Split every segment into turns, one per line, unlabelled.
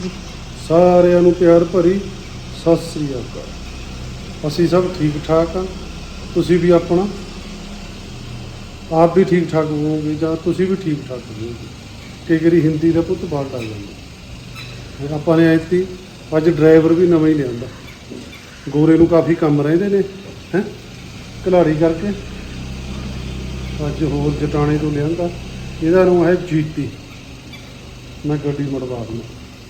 ਸਾਰਿਆਂ ਨੂੰ ਪਿਆਰ ਭਰੀ ਸਤਿ ਸ੍ਰੀ ਅਕਾਲ। ਅਸੀਂ ਸਭ ਠੀਕ ਠਾਕ ਹਾਂ। ਤੁਸੀਂ ਵੀ ਆਪਣਾ ਆਪ ਵੀ ਠੀਕ ਠਾਕ ਹੋਵੋਗੇ ਜਾਂ ਤੁਸੀਂ ਵੀ ਠੀਕ ਠਾਕ ਹੋਵੋਗੇ। ਕਈ ਵਾਰੀ ਹਿੰਦੀ ਦਾ ਪੁੱਤ ਬਾਹਰ ਆ ਜਾਂਦਾ। ਆਪਾਂ ਨੇ ਐਤੀ ਅੱਜ ਡਰਾਈਵਰ ਵੀ ਨਵਾਂ ਹੀ ਲਿਆਂਦਾ। ਗੋਰੇ ਨੂੰ ਕਾਫੀ ਕੰਮ ਰਹਿੰਦੇ ਨੇ ਹੈ ਕਲਾੜੀ ਕਰਕੇ। ਅੱਜ ਹੋਰ ਜਟਾਣੇ ਤੋਂ ਲਿਆਂਦਾ। ਇਹਦਾ ਨਾਮ ਹੈ ਜੀਤੀ। ਮੈਂ ਗੱਡੀ ਮੜਵਾ ਦੂੰ।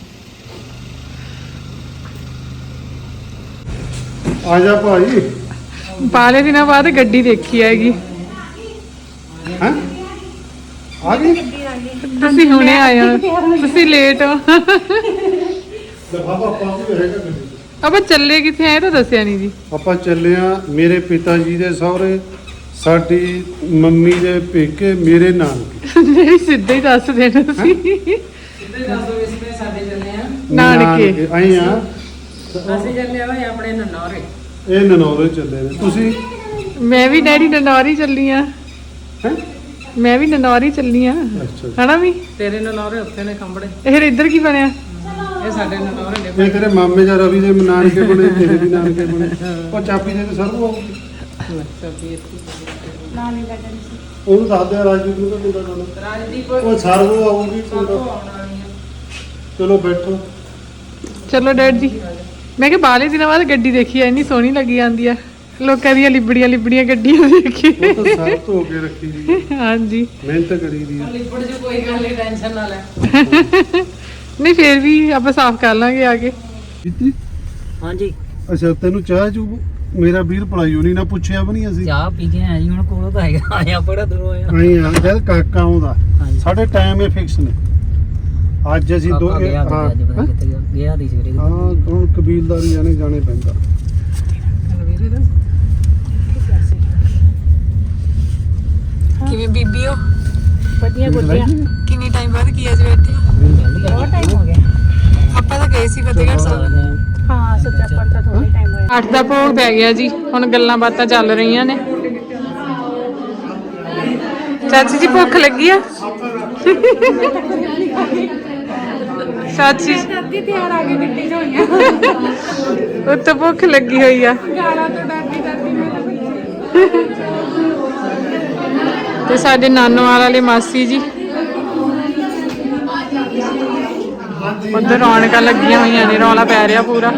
ਆ ਜਾ ਭਾਈ।
ਬਾਲੇ ਦਿਨਾਂ ਬਾਅਦ ਗੱਡੀ ਦੇਖੀ ਹੈਗੀ।
ਹੈਂ ਆ ਗਈ
ਤੁਸੀਂ ਹੁਣੇ ਆਏ ਹੋ, ਤੁਸੀਂ ਲੇਟ ਹੋ।
ਲਫਾਫਾ ਪਾ ਕੇ ਰਹੇਗਾ ਗੱਡੀ 'ਚ।
ਆਪਾਂ ਚੱਲੇ ਕਿੱਥੇ ਆਏ ਤਾਂ ਦੱਸਿਆ ਨਹੀਂ ਜੀ।
ਆਪਾਂ ਚੱਲੇ ਆ ਮੇਰੇ ਪਿਤਾ ਜੀ ਦੇ ਸਹੁਰੇ, ਸਾਡੀ ਮੰਮੀ ਦੇ ਪੇਕੇ, ਮੇਰੇ ਨਾਨਕੇ।
ਨਹੀਂ ਸਿੱਧਾ ਹੀ ਦੱਸ ਦੇਣਾ ਤੁਸੀਂ।
ਸਿੱਧੇ ਦੱਸ ਦੋ ਇਸ ਵਿੱਚ ਸਾਡੇ ਚੱਲੇ ਆ
ਨਾਨਕੇ
ਆਏ ਆ।
ਅਸੀਂ ਚੱਲੇ ਹੋਏ ਆਪਣੇ ਨਨੌਰੇ।
ਇਹ ਨਨੌਰੇ ਚੱਲੇ ਨੇ। ਤੁਸੀਂ
ਮੈਂ ਵੀ ਡੈਡੀ ਨਨੌਰੀ ਚੱਲੀ ਆ।
ਹੈ
ਮੈਂ ਵੀ ਨਨੌਰੀ ਚੱਲੀ ਆ
ਅੱਛਾ।
ਹਨਾ ਵੀ।
ਤੇਰੇ ਨਨੌਰੇ ਉੱਥੇ ਨੇ ਕੰਬੜੇ।
ਇਹ ਫਿਰ ਇੱਧਰ ਕੀ ਬਣਿਆ?
ਇਹ ਸਾਡੇ ਨਨੌਰੇ ਨੇ।
ਇਹ ਤੇਰੇ ਮਾਮੇ ਜਾਂ ਰਵੀ ਦੇ ਨਾਨਕੇ ਬਣੇ, ਤੇਰੇ ਵੀ ਨਾਨਕੇ ਬਣੇ। ਉਹ ਚਾਬੀ ਦੇ ਤੇ ਸਰਵ ਆਊਗੀ। ਉਹਨੂੰ ਦੱਸ ਦਿਆ ਰਾਜਦੀਪ ਨੂੰ ਤਾਂ ਮੁੰਡਾ ਨਾਲ।
ਰਾਜਦੀਪ
ਉਹ ਸਰਵ ਆਊਗੀ।
ਸਭ ਤੋਂ ਆਉਣ ਵਾਲੀ ਆ।
ਚਲੋ ਬੈਠੋ।
ਚਲੋ ਡੈਡ ਜੀ। ਮੈਂ ਕਿਹਾ ਬਾਲੇ ਦਿਨਾਂ ਬਾਅਦ ਗੱਡੀ ਦੇਖੀ ਆ, ਇੰਨੀ ਸੋਹਣੀ ਲੱਗੀ ਜਾਂਦੀ ਆ। ਲੋਕਾਂ ਦੀਆਂ ਲਿਬੜੀਆਂ ਗੱਡੀਆਂ ਦੇਖੀ।
ਉਹ ਤਾਂ ਸਭ ਧੋ ਕੇ ਰੱਖੀ ਦੀ ਹੈ।
ਹਾਂਜੀ
ਮਿਹਨਤ ਕਰੀ ਦੀ ਹੈ।
ਲਿਪੜ ਜੋ ਕੋਈ ਗੱਲ ਨਹੀਂ, ਟੈਨਸ਼ਨ ਨਾ ਲੈ।
ਨਹੀਂ ਫੇਰ ਵੀ ਆਪਾਂ ਸਾਫ਼ ਕਰ ਲਾਂਗੇ ਆ ਕੇ।
ਜੀਤੀ
ਹਾਂਜੀ
ਅੱਛਾ ਤੈਨੂੰ ਚਾਹ ਚੂ ਮੇਰਾ ਵੀਰ ਪੜਾਈਓ ਨਹੀਂ ਨਾ ਪੁੱਛਿਆ ਵੀ ਨਹੀਂ ਅਸੀਂ।
ਚਾਹ ਪੀ ਕੇ ਆਇਆ ਜੀ, ਹੁਣ ਕੋਲ ਤਾਂ ਹੈਗਾ। ਆਇਆ ਬੜਾ ਦੂਰੋਂ ਆਇਆ।
ਆਏ ਆ ਜਦ ਕਾਕਾ ਆਉਂਦਾ
ਹਾਂਜੀ।
ਸਾਡੇ ਟਾਈਮ ਇਹ ਫਿਕਸ ਨੇ। ਅੱਜ ਅਸੀਂ ਦੋ
ਗਿਆ ਦੀ ਸਵੇਰੇ।
ਹਾਂ ਹੁਣ ਕਬੀਲਦਾਰੀ ਜਾਣੇ ਪੈਂਦਾ।
ਕਿਵੇਂ ਬੀਬੀ ਹੋ?
ਵਧੀਆ
ਕਿੰਨੇ ਟਾਈਮ ਬਾਅਦ ਕੀ ਅੱਜ ਬੈਠੇ?
ਬਹੁਤ ਟਾਈਮ ਹੋ ਗਿਆ।
ਆਪਾਂ ਤਾਂ ਗਏ ਸੀ ਫਤਿਹਗੜ੍ਹ ਸਾਹਿਬ।
ਹਾਂ ਸੱਚਾ ਪੜਤਾ ਥੋੜਾ ਟਾਈਮ ਹੋਇਆ।
8 ਦਾ ਭੋਗ ਪੈ ਗਿਆ ਜੀ। ਹੁਣ ਗੱਲਾਂ ਬਾਤਾਂ ਚੱਲ ਰਹੀਆਂ ਨੇ। ਚਾਚੀ ਜੀ ਭੁੱਖ ਲੱਗੀ ਆ? ਚਾਚੀ
ਦਾਦੀ ਤਿਆਰ ਆ ਗਈ ਗੱਡੀ ਚ ਹੋਈਆਂ।
ਉੱਤੋਂ ਭੁੱਖ ਲੱਗੀ ਹੋਈ ਆ।
ਗਾਲਾਂ ਤੋਂ ਡਰਦੀ ਡਰਦੀ ਮੈਂ ਤਾਂ
ਤੇ ਸਾਡੇ ਨਾਨੋਵਾਲ ਵਾਲੇ ਮਾਸੀ ਜੀ ਉੱਧਰ ਰੌਣਕਾਂ ਲੱਗੀਆਂ ਹੋਈਆਂ ਨੇ। ਰੌਲਾ ਪੈ ਰਿਹਾ ਪੂਰਾ।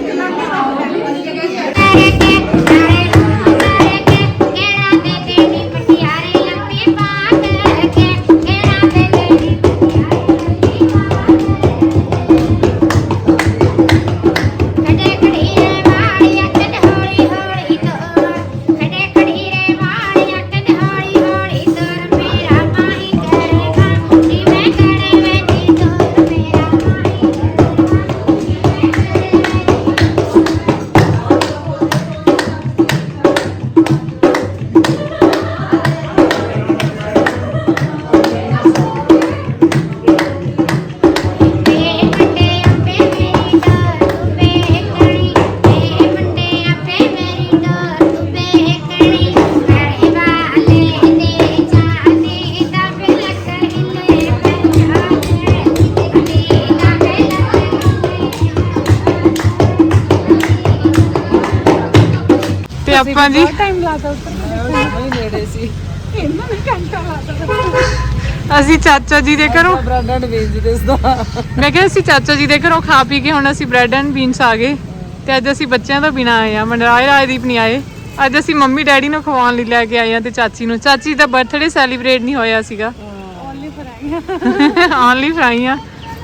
ਆਪਾਂ ਜੀ
ਟਾਈਮ ਲਾਤਾ ਉੱਤਰ
ਨੇੜੇ ਸੀ।
ਇਹਨਾਂ ਨੇ ਘੰਟਾ ਲਾਤਾ।
ਅਸੀਂ ਚਾਚਾ ਜੀ ਦੇ ਘਰੋਂ
ਬ੍ਰੈਡ ਐਂਡ ਬੀਨਸ ਦਿਸਦਾ।
ਮੈਂ ਕਿਹਾ ਅਸੀਂ ਚਾਚਾ ਜੀ ਦੇ ਘਰੋਂ ਖਾ ਪੀ ਕੇ ਹੁਣ ਅਸੀਂ ਬ੍ਰੈਡ ਐਂਡ ਬੀਨਸ ਆ ਗਏ। ਤੇ ਅੱਜ ਅਸੀਂ ਬੱਚਿਆਂ ਤੋਂ ਬਿਨਾਂ ਆਏ ਆ। ਮਨਰਾਜ ਰਾਜਦੀਪ ਨਹੀਂ ਆਏ। ਅੱਜ ਅਸੀਂ ਮੰਮੀ ਡੈਡੀ ਨੂੰ ਖਵਾਉਣ ਲਈ ਲੈ ਕੇ ਆਏ ਆ ਤੇ ਚਾਚੀ ਨੂੰ। ਚਾਚੀ ਦਾ ਬਰਥਡੇ ਸੈਲੀਬ੍ਰੇਟ ਨਹੀਂ ਹੋਇਆ ਸੀਗਾ।
ਓਨਲੀ ਫਰਾਈਆਂ।
ਓਨਲੀ ਫਰਾਈਆਂ।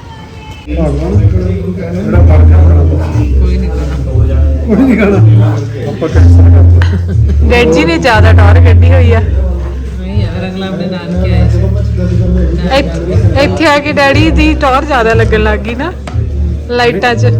ਕੋਈ ਨਹੀਂ ਖਾਣਾ। ਆਪਾਂ ਕੈਂਸਲ ਕਰਤਾ।
ਡੈਡ ਜੀ ਨੇ ਜ਼ਿਆਦਾ ਟੌਰ ਕੱਢੀ ਹੋਈ ਆ।
ਨਹੀਂ ਯਾਰ ਅਗਲਾ ਆਪਣੇ ਨਾਨਕੇ ਆਏ ਸੀ।
ਇੱਥੇ ਆ ਕੇ ਡੈਡੀ ਦੀ ਟੌਰ ਜ਼ਿਆਦਾ ਲੱਗਣ ਲੱਗ ਗਈ ਨਾ ਲਾਈਟਾਂ 'ਚ।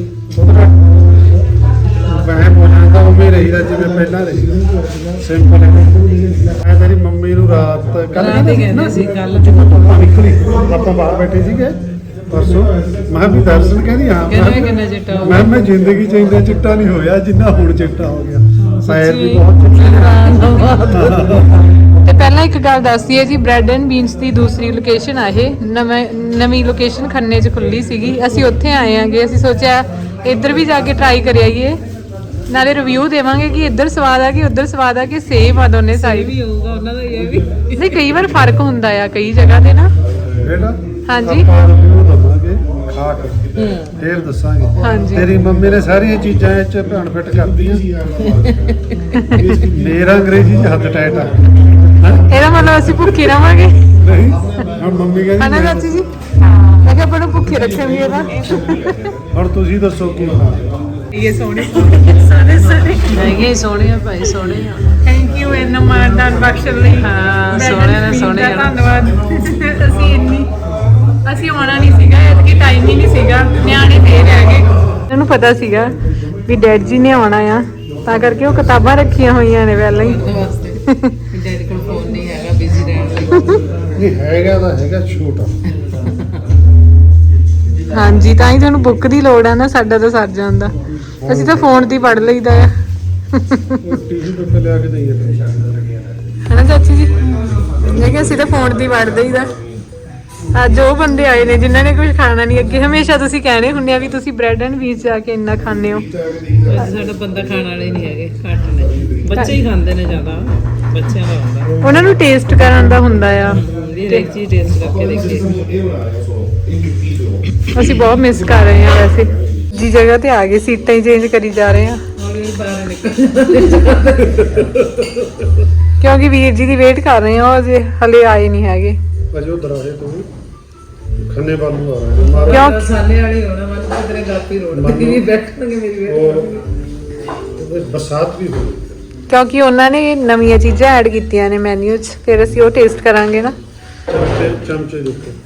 ਵੈਸੇ ਬੋਲਣਾ ਤਾਂ ਉਵੇਂ ਰਹੀਦਾ ਜਿਵੇਂ ਪਹਿਲਾਂ ਰਹੀ। ਸਿੰਪਲ। ਮੈਂ ਤੇਰੀ ਮੰਮੀ ਨੂੰ ਰਾਤ
ਰਾਤ ਹੀ ਕਹਿੰਦੇ ਸੀ ਕੱਲ
ਜਦੋਂ ਧੁੱਪ ਨਿਕਲੀ ਆਪਾਂ ਬਾਹਰ ਬੈਠੇ ਸੀਗੇ ਪਰਸੋਂ। ਮੈਂ ਕਿਹਾ ਵੀ ਦਰਸ਼ਨ ਕਹਿੰਦੀ ਹਾਂ।
ਕਹਿੰਦੇ ਕਿੰਨਾ ਚਿੱਟਾ ਹੋ
ਮੈਂ ਜ਼ਿੰਦਗੀ ਚ ਇੰਨਾ ਚਿੱਟਾ ਨਹੀਂ ਹੋਇਆ ਜਿੰਨਾ ਹੁਣ ਚਿੱਟਾ ਹੋ ਗਿਆ। ਪੈਰ ਵੀ ਬਹੁਤ ਚਿੱਟੇ
ਤੇ ਪਹਿਲਾਂ ਇੱਕ ਗੱਲ ਦੱਸਦੀ ਹੈ ਜੀ, ਬ੍ਰੈਡ ਐਂਡ ਬੀਨਸ ਦੀ ਦੂਸਰੀ ਲੋਕੇਸ਼ਨ ਆ ਇਹ, ਨਵੀਂ ਲੋਕੇਸ਼ਨ ਖੰਨੇ 'ਚ ਖੁੱਲੀ ਸੀਗੀ। ਅਸੀਂ ਉੱਥੇ ਆਏ ਆਂਗੇ, ਅਸੀਂ ਸੋਚਿਆ ਇੱਧਰ ਵੀ ਜਾ ਕੇ ਟਰਾਈ ਕਰ ਆਈਏ, ਨਾਲੇ ਰਿਵਿਊ ਦੇਵਾਂਗੇ ਕਿ ਇੱਧਰ ਸਵਾਦ ਆ ਕਿ ਉੱਧਰ ਸਵਾਦ ਆ ਕਿ ਸੇਮ ਆ ਦੋਨੇ ਸਾਈਡ।
ਵੀ ਹੋਊਗਾ ਉਹਨਾਂ ਦਾ ਇਹ ਵੀ
ਨਹੀਂ, ਕਈ ਵਾਰ ਫਰਕ ਹੁੰਦਾ ਆ ਕਈ ਜਗ੍ਹਾ ਤੇ ਨਾ।
ਬੇਟਾ
ਹਾਂਜੀ।
ਆਪਾਂ ਰਿਵਿਊ ਦਵਾਂਗੇ ਖਾ ਕੇ ਫੇਰ ਦੱਸਾਂਗੇ।
ਹਾਂਜੀ।
ਤੇਰੀ ਮੰਮੀ ਨੇ ਸਾਰੀਆਂ ਚੀਜ਼ਾਂ ਇਹ ਚ ਭੈਣ ਫਿੱਟ ਕਰਤੀਆਂ। ਮੇਰਾ ਅੰਗਰੇਜ਼ੀ ਚ ਹੱਥ ਟੈਟ ਆ।
ਇਹਦਾ ਮਤਲਬ ਅਸੀਂ ਭੁੱਖੇ ਰਵਾਂਗੇ
ਨਹੀਂ ਹੁਣ ਮੰਮੀ
ਹਨਾ
ਕਹਿੰਦੀ
ਚਾਚੀ ਜੀ? ਮੈਂ ਕਿਹਾ ਆਪਾਂ ਨੂੰ ਭੁੱਖੇ ਰੱਖਾਂਗੇ ਇਹਦਾ।
ਹੁਣ ਤੁਸੀਂ ਦੱਸੋ ਕੀ ਖਾਣਾ।
ਇਹ ਸੋਹਣੇ ਸੋਹਣੇ
ਹੈਗੇ ਸੋਹਣੇ ਆ ਭਾਈ, ਸੋਹਣੇ ਆ।
ਥੈਂਕ ਯੂ ਇੰਨਾ ਮਾਨਦਾਨ ਬਖਸ਼ਣ ਲਈ।
ਹਾਂ, ਸੋਹਣੇ ਨੇ, ਸੋਹਣੇ ਆ।
ਧੰਨਵਾਦ। ਅਸੀਂ ਆਉਣਾ ਨਹੀਂ ਸੀਗਾ, ਐਤਕੀ ਟਾਈਮ ਹੀ ਨਹੀਂ ਸੀਗਾ, ਨਿਆਣੇ ਫੇਰ ਰਹਿ ਗਏ। ਇਹਨਾਂ ਨੂੰ ਪਤਾ ਸੀਗਾ ਵੀ ਡੈਡ ਜੀ ਨੇ ਆਉਣਾ ਆ, ਤਾਂ ਕਰਕੇ ਉਹ ਕਿਤਾਬਾਂ ਰੱਖੀਆਂ ਹੋਈਆਂ ਨੇ ਪਹਿਲਾਂ ਹੀ।
ਡੈਡੀ ਕੋਲ ਫੋਨ ਨਹੀਂ ਹੈਗਾ, ਬਿਜ਼ੀ ਰਹਿਣ ਲਈ।
ਨਹੀਂ ਹੈਗਾ ਤਾਂ ਹੈਗਾ ਛੋਟਾ।
ਹਾਂਜੀ, ਤਾਂ ਹੀ ਤੁਹਾਨੂੰ ਬੁੱਕ ਦੀ ਲੋੜ ਆ ਨਾ, ਸਾਡਾ ਤਾਂ ਸਰ ਜਾਂਦਾ। ਅਸੀਂ ਤਾਂ ਫੋਨ ਤੇ ਹੀ ਪੜ੍ਹ ਲਈਦਾ ਆ।
ਟੀਵੀ ਤੋਂ ਲਿਆ ਕੇ ਦਈਏ
ਹਨਾ ਚਾਚੀ ਜੀ? ਮੈਂ ਕਿਹਾ ਅਸੀਂ ਤਾਂ ਫੋਨ ਤੇ ਹੀ ਪੜ੍ਹ ਦਈਦਾ। ਅੱਜ ਉਹ ਬੰਦੇ ਆਏ ਨੇ ਜਿਨ੍ਹਾਂ ਨੇ ਕੁਝ ਖਾਣਾ ਨਹੀਂ। ਅੱਗੇ ਹਮੇਸ਼ਾ ਤੁਸੀਂ ਕਹਿਣੇ ਹੁੰਦੇ ਆ ਵੀ ਤੁਸੀਂ ਬ੍ਰੈਡ ਐਂਡ ਬੀਨਸ ਜਾ ਕੇ ਇੰਨਾ ਖਾਂਦੇ ਹੋ।
ਸਾਡਾ ਬੰਦਾ ਖਾਣ ਵਾਲੇ ਨਹੀਂ ਹੈਗੇ, ਘੱਟ ਨੇ। ਬੱਚੇ ਹੀ ਖਾਂਦੇ ਨੇ ਜ਼ਿਆਦਾ, ਬੱਚਿਆਂ ਦਾ ਹੁੰਦਾ
ਉਹਨਾਂ ਨੂੰ ਟੇਸਟ ਕਰਨ ਦਾ ਹੁੰਦਾ ਆ।
ਵੀ ਹਰੇਕ ਚੀਜ਼ ਟੇਸਟ ਕਰਕੇ ਦੇਖਦੇ।
ਅਸੀਂ ਬਹੁਤ ਮਿਸ ਕਰ ਰਹੇ ਹਾਂ ਵੈਸੇ। ਜੀ ਜਗ੍ਹਾ ਤੇ ਆ ਗਏ, ਸੀਟਾਂ ਹੀ ਚੇਂਜ ਕਰੀ ਜਾ ਰਹੇ ਹਾਂ
ਹੌਲੀ ਬਾਹਰ ਨਿਕਲ
ਕਿਉਂਕਿ ਵੀਰ ਜੀ ਦੀ ਵੇਟ ਕਰ ਰਹੇ ਹਾਂ, ਉਹ ਅਜੇ ਹਲੇ ਆਏ ਨਹੀਂ ਹੈਗੇ।
ਅਜੇ ਉਧਰ ਆਏ ਤੂੰ ਖੰਨੇ ਬਾਲੂ ਆ ਰਹੇ ਮਾਰਾ
ਕਿਉਂ?
ਸਾਲੇ ਵਾਲੀ ਹੋਣਾ, ਮਨ ਤੇਰੇ ਗਾਪੀ ਰੋਡ ਤੇ ਵੀ ਬੈਠਣਗੇ ਮੇਰੀ ਵੇਟ।
ਉਹ ਬਰਸਾਤ ਵੀ ਹੋਈ।
ਕਿਉਂਕਿ ਉਹਨਾਂ ਨੇ ਨਵੀਆਂ ਚੀਜ਼ਾਂ ਐਡ ਕੀਤੀਆਂ ਨੇ ਮੈਨੂ 'ਚ, ਫਿਰ ਅਸੀਂ ਉਹ ਟੇਸਟ ਕਰਾਂਗੇ ਨਾ।
ਚਮਚੇ ਦੇ ਉੱਤੇ